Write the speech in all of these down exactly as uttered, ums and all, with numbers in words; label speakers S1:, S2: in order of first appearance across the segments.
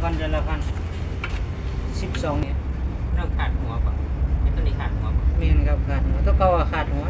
S1: พันเดือนละพันสิบสองเนี่ย
S2: เริ่มขาดหัวป่ะไอ้ตัวนี้ขาดหัวป่ะ
S1: เมียนครับขาดหัวตัวเก่าอะขาดหัว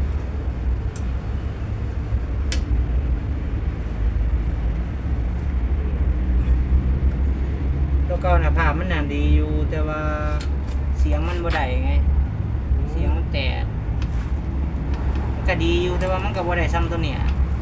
S1: ตัวเก่าน่ะภาพมันน่ะดีอยู่แต่ว่าเสียงมันบ่ได้ไงเสียงมันแตกมันก็ดีอยู่แต่ว่ามันก็บ่ได้ซ้ำตัวเนี้ย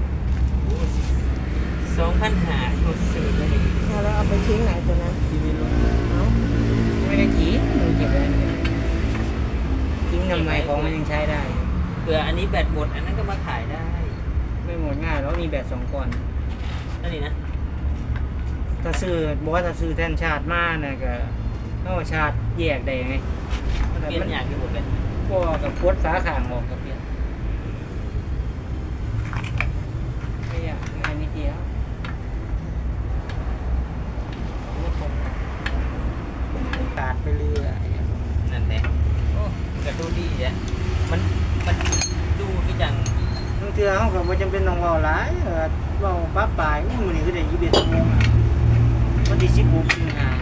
S2: สองพันหาหมดสื่อเลย
S3: เอาแล้วเอาไปทิ้งไหนตัวนั้น
S1: ที่ไม่รู้
S3: เอา
S1: ไม่ได้ทิ้งมันเก็บไว้ทิ้งทำไมของมันยังใช้ได้
S2: เผื่ออันนี้แบตหมดอันนั้นก็มาขายได้
S1: ไม่หมดง่ายแล้วมีแบตสองก้อน
S2: นั่นนี่นะ
S1: ถ้าซื้อบอกว่าถ้าซื้อแทนชาติมาเนี่ยก็ต้องชาติแยกได้ไง
S2: เปลี่ยนอย่างที่หมดเลย
S1: พวกกับพดฝาข้างออกกับเปลี่ยนไม่อยากงานนิดเดียวขาดไปเรื่อย
S2: นั่นแหละโอ้กระดูดีอ่ะมันมันดูพี่จัง
S1: บางเทื่อเขาก็บ่จำเป็นต้องเว้าหลายเออเว้าปั๊บปลายมื้อนี้ก็ได้ยี่สิบเอ็ดชั่วโมงอะวันที่สิบหกสิงหา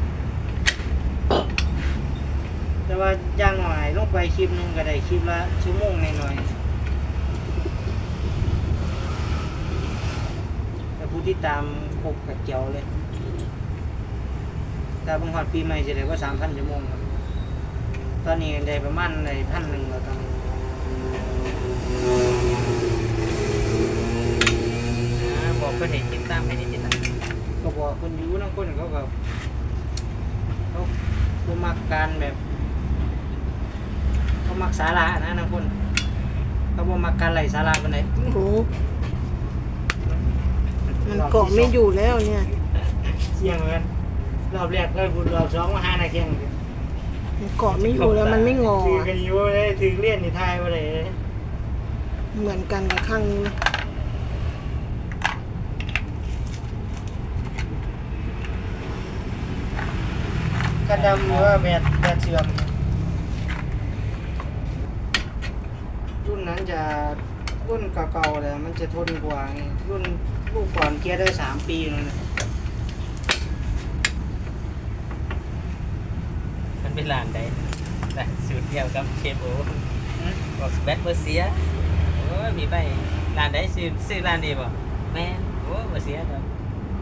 S1: แต่ว่าอย่างหน่อยลงไปคลิปหนึงก็ได้คลิปละชั่วโมงหน่อยๆแต่ผู้ที่ตามครบกับเจียวเลยแต่บางฮอดปีใหม่สิได้กว่าสามพันชั่วโมงครับตอนนี้ได้ประมาณได้พันหนึ่งแล้วตอนนี้
S2: อ่าบอกเพื่อนเห็นติดตามให้นิดๆนะ
S1: ก็บอกคนอยู่นั่งคนเขาก็เขาเขามักการแบบเขามักสาระนะนั่งคนเขาบ่มักการไหลสาระปานใด
S3: โอ้โหมันเกาะไม่อยู่แล้วเนี่ย
S1: เที่ยงเหมือนกันรอบแรกเลยพูดรอบสองมาหานาเที่ยง
S3: มันเกาะไม่อยู่แล้วมันไม่งอ
S1: ถือ
S3: อะ
S1: กันอยู่เลยถือเลี่ยนนี่ทายบ่ได้เลย
S3: เหมือนกันกับข้างนี้นะ
S1: กระดำหรือว่าแบดแบดเสื่อมรุ่นนั้นจะรุ่นเก่าๆเลยมันจะทนกว่าไงรุ่นลูกก่อนเกียร์ได้สามปีนั่นนะ
S2: มันเป็นลานใดแต่สูตรเดียวกับเคโบบอกแบตเบอร์เสียโอ้ยมีไปลานใดซื้อซื้อลานดีบ่แม่นโอ้เบอร์เสียเด้อ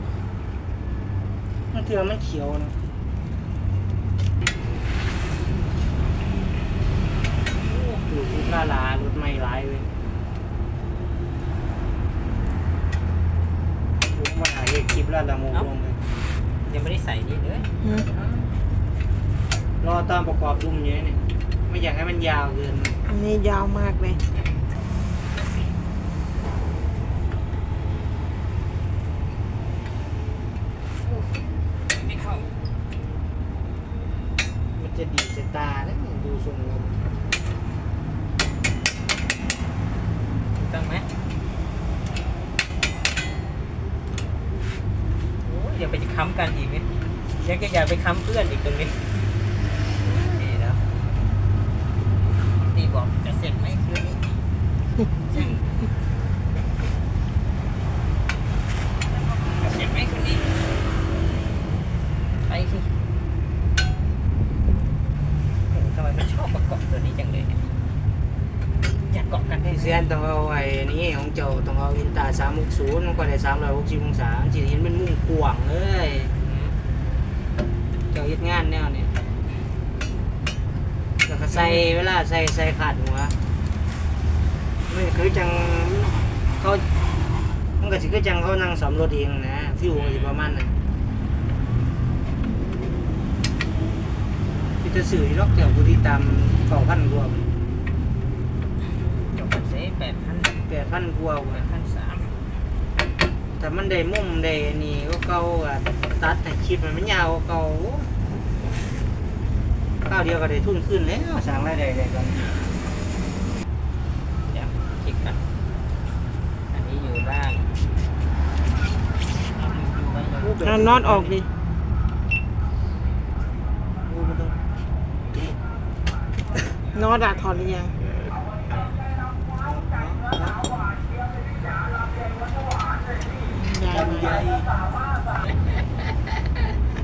S1: มันเถื่อมันเขียวนะหลุดลูกค้าลารถไม่ร้ายเลยผมมาหาเห็ดคลิปแล้วละโมงลงเลย
S2: ยังไม่ได้ใส่นี่เลย
S3: หืม
S1: รอตอนประกอบดุมเยอะเนี่ยไม่อยากให้มันยาวเกิน
S3: อันนี้ยาวมากเลย
S2: ไม่เข้า
S1: มันจะดีจะตานะดูทรงแล้ว
S2: ต้องไหมโอ้ยอย่าไปค้ำกันอีกนี่ยังจะอย่าไปค้ำเพื่อนอีกตรงนี้นี่แล้วตีบอกจะเสร็จไหมคืนนี้จะเสร็จไหมคืนนี้ไปสิโอ้โหทำไมมันชอบประกอบตัวนี้จังเลยเนี่ยอยากเกาะกันได้
S1: เซียนต้องเอาไอ้นี่ของเจ้าต้องเอาอินตาสามหกศูนย์มันก็ได้สามร้อยหกสิบองศาจีเห็นเป็นมุ้งกว้างเลยเจ้าเฮ็ดงานแนวเนี่ยแล้วก็ใส่เวลาใส่ใส่ขาดหัวมันคือจังเขามันก็สิคือจังเขานั่งสำรถเองนะฟิวมันสิประมาณนั้นที่จะสื่อล็อกแถวผู้ที่ตามเก้าพันกว่า
S2: จบกันเสียแปดพัน
S1: แปดพันกว่า
S2: แปดพันสาม
S1: แต่มันได้มุมได้อันนี่ก็เก่าอะตัดให้คลิปมันมันยาวกว่าเก่าข้าวเดียวก็ได้ทุนขึ้นแล้วสั่งรายได้ได้กัน
S2: เดี๋ยวคลิกกันอันนี้อยู่บ้างเอาอยู่ไว้เลย
S3: เอาน็อตออกดิ
S1: โอ้มันต้อง
S3: น็อตอะถอดหรือยังยาย
S1: ลำ
S3: มา
S1: ไย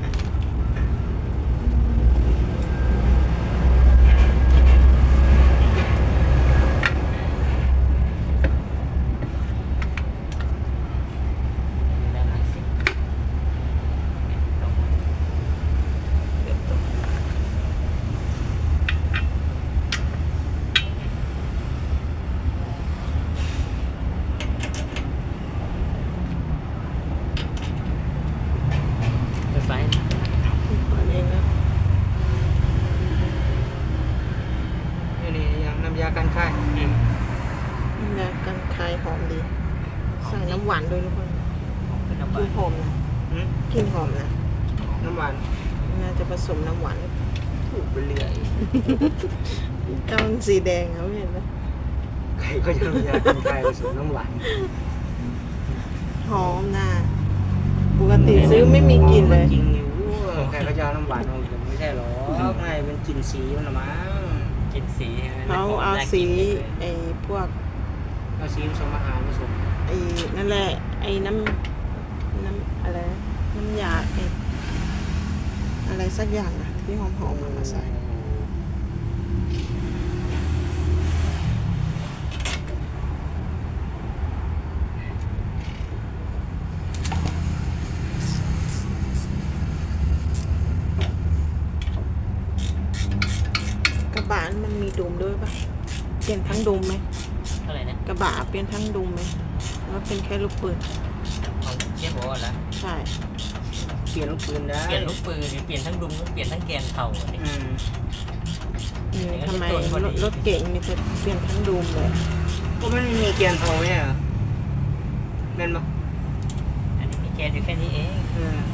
S3: เลยทุกคน
S2: เป็นน้ำ
S3: ก
S2: บา
S3: ลิ่
S2: น
S3: นหอมนะ
S1: หืม
S3: กลิ่นหอมนะ
S1: น้ำหวาน
S3: น่าจะผสมน้ำหวาน
S1: ถูกไปเรื่อย
S3: ก้านสีแดงเขาเห็นไหม
S1: ใครก็จะอยากกินไข่ผสมน้ำหวาน
S3: หอมนะปกติซื้อไม่มีกลิ่นเลย
S1: จริงอยู่ใครก็จะเอาน้ำหวานเอาแต่ไม่ใช่หรอกไม่เป็นกลิ่นสีมันละมั้ง
S2: กินสีใช่ไหม
S3: เขาเอาสีไอ้พวก
S1: เอาสีผสมอาหารผสม
S3: ไอ้นั่นแหละไอ้น้ำน้ำอะไรนะน้ำยาไอ้อะไรสักอย่างอะที่หอมๆเอามาใส่ กระบะมันมีดุมด้วยปะเปลี่ยนทั้งดุมไหม
S2: เท่าไหร่นะ
S3: กระบะเปลี่ยนทั้งดุมไหมแล้วเป็นแค่ลูกปืน
S2: ของเชฟบอกว่าละ
S3: ใช่
S1: เปลี่ยนลูกปืนได้
S2: เปลี่ยนลูกปืนหรือเปลี่ยนทั้งดุมหรือเปลี่ยนทั้งแกนเข่าอันนี้
S1: อืม
S3: อืม
S2: อย่างนั้น
S3: ทำไม
S2: ก็โดนพอดี
S3: รถรถเก่งนี่จะเปลี่ยนทั้งดุมเลย
S1: ก็ไม่มีเกียร์โทรเนี่ยเหรอแม่นปะ
S2: อันนี้มีแกนอยู่แค่นี้เอง
S1: อืม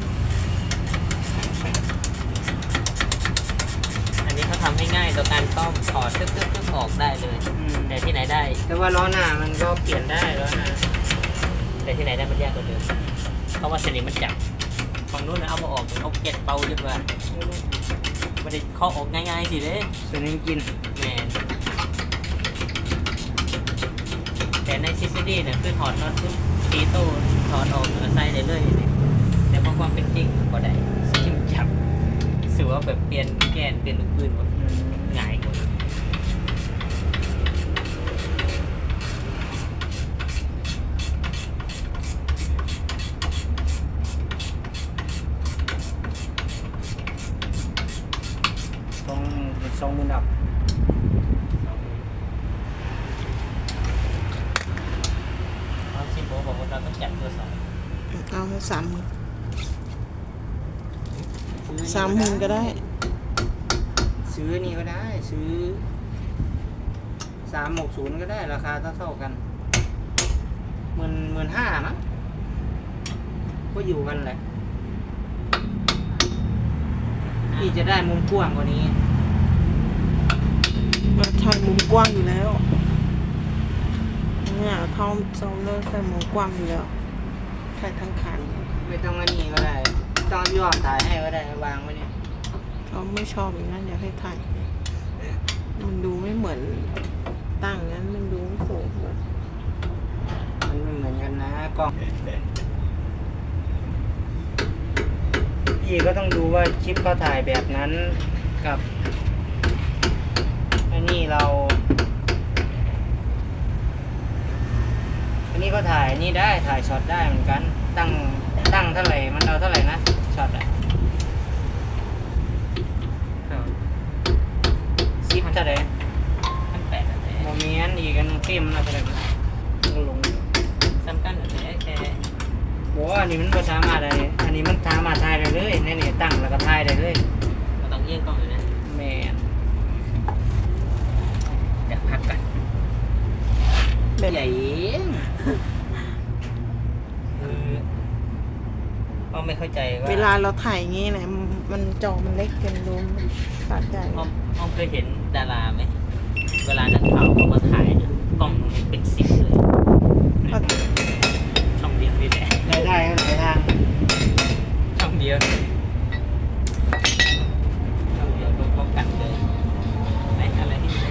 S2: อันนี้เขาทำให้ง่ายต่อการซ่อมถอดตึ๊กตึ๊กตึ๊กออกได้เลย
S1: อืม
S2: แต่ที่ไหนได้
S1: แต่ว่าล้อหน้ามันก็เปลี่ยนได้ล้อหน้า
S2: แต่ที่ไหนได้มันยากกว่าเดิมเพราะว่าสนิมมันจับฝั่งนู้นนะเอามาออกเอาเก็ดเป่าดีกว่าไม่ได้เคาะออกง่ายๆสิเด้
S1: ส่วนนี้กิน
S2: แมนแต่ในซิสดี้เนี่ยคือถอดน็อตปุ๊บตีโต้ถอดออกแล้วใส่ได้เลยนี่แต่พอความเป็นจริงก็ได้สนิมจับสือว่าแบบเปลี่ยนแกนเปลี่ยนลูกปืนหมด
S1: อืม
S2: ง่ายกว่า
S1: ต้องสองหมื่นดับ
S2: เขาชิโบบอกว่าเราต้องจับตัวสอง
S3: เอาสามหมื่นสามหมื่นก็ได้
S1: ซื้อนี่ก็ได้ ซื้อสามหกศูนย์ก็ได้ราคาเท่าเท่าๆกันหมื่นหมื่นห้ามั้งก็อยู่กันแหละพี่จะได้มุมกว้างกว่านี้
S3: มาใช้มุมกว้างอยู่แล้วเนี่ยทอมโซลเลอร์ใช้มุมกว้างอยู่แล้วใช้ทั้งคัน
S1: ไม่ต้องอันนี้ก็ได้ต้องยอดถ่ายให้ก็ได้วางไว้เนี่ย
S3: เขาไม่ชอบอย่างนั้นอยากให้ถ่ายมันดูไม่เหมือนตั้งงั้นมันดูไม่สวยเลย
S1: มันไม่เหมือนกันนะกล้องพี่ก็ต้องดูว่าคลิปเขาถ่ายแบบนั้นกับอันนี้เรา อันนี้ก็ถ่ายนี่ได้ถ่ายช็อตได้เหมือนกัน ตั้งตั้งเท่าไหร่มันเอาเท่าไหร่นะช็อตอะซิปเท่าไหร่
S2: ขั้นแปดอะไร
S1: โมเมนต์อีกอันเต็มแล้วเท่าไหร่มันลง
S2: สำคัญอะไรแค่
S1: บอกว่าอันนี้มันภาษามารถอะไรอันนี้มันสามารถถ่ายได้เลยนี่นี่ตั้งแล้วก็ถ่ายได้เลย
S2: เราต้องเยี่ยงกล้องอยู่นะ
S1: แมน
S2: เดี๋ยวพักกัน
S3: แบบ
S1: ใหญ่เอง
S2: คือก็ไม่เข้าใจว่า
S3: เวลาเราถ่ายอย่างงี้นะมันมันจอมันเล็กเกินดูมันปาดใจ
S2: อ้อมอ้อมเคยเห็นดาราไหมเวลานักข่าวเขามาถ่ายเนี่ยกล้องมันเป็นสิบเลย
S3: ก็
S2: ช่องเดียวนี่แหละ
S1: ได้ได้ก็หลายทาง
S2: ช่องเดียวช่องเดียวก็ป้องกันเลยไหนอะไรที่ไหน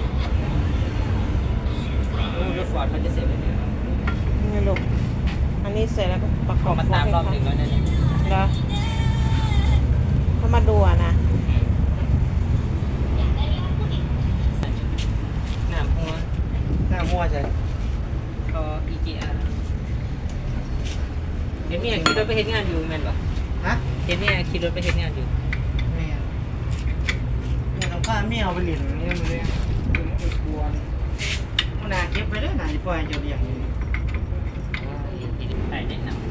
S2: โอ้รถฟอร์ดมันจะเสร็จเลยเนี่ย
S3: ไม่หลบอันนี้เสร็จแล้วก็ประก
S2: ข
S3: อ
S2: อบ มาตามรอบหนึ่งแล้วเนี่ย
S3: แล้วเขามาดูอะนะ
S2: น้ำหัว
S1: หน้ามั่วใช่
S2: ก็อีจีอาร์เห็นเมียขี่รถไปเฮ็ดงานอยู่แม่นปะ
S1: ฮะ
S2: เห็นเมียขี่รถไปเฮ็ดงานอยู่
S1: แมนเนี่ยต้องข้ามไม่เอาไปเหรียญนี่มันเลยเป็นไอ้กวนเอาหนาเก็บไปได้หนาจะปล่อยจะเรียงอยู่
S2: ใช่แนะนำ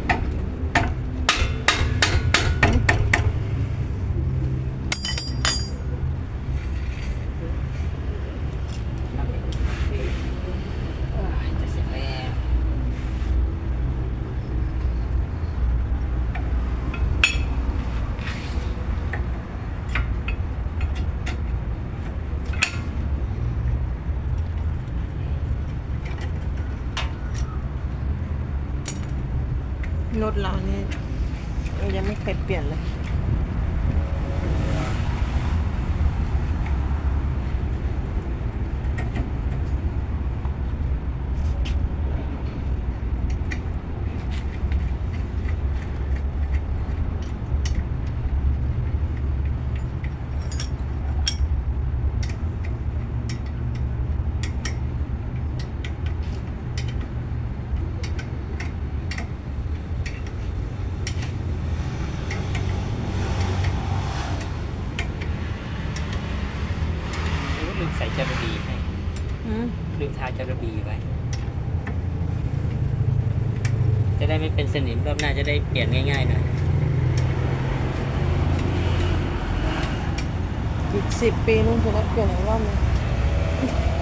S2: จะเสร็จแล้ว
S3: รถเราเนี่ยยังไม่เคยเปลี่ยนเลย
S2: ลืมใส่จระบีให้
S3: อืม
S2: ลืมทาจระบีไว้ จะได้ไม่เป็นสนิมรอบหน้าจะได้เปลี่ยนง่ายๆหน่อย
S3: อีกสิบปีลุงจะได้เปลี่ยนอีกรอบหนึง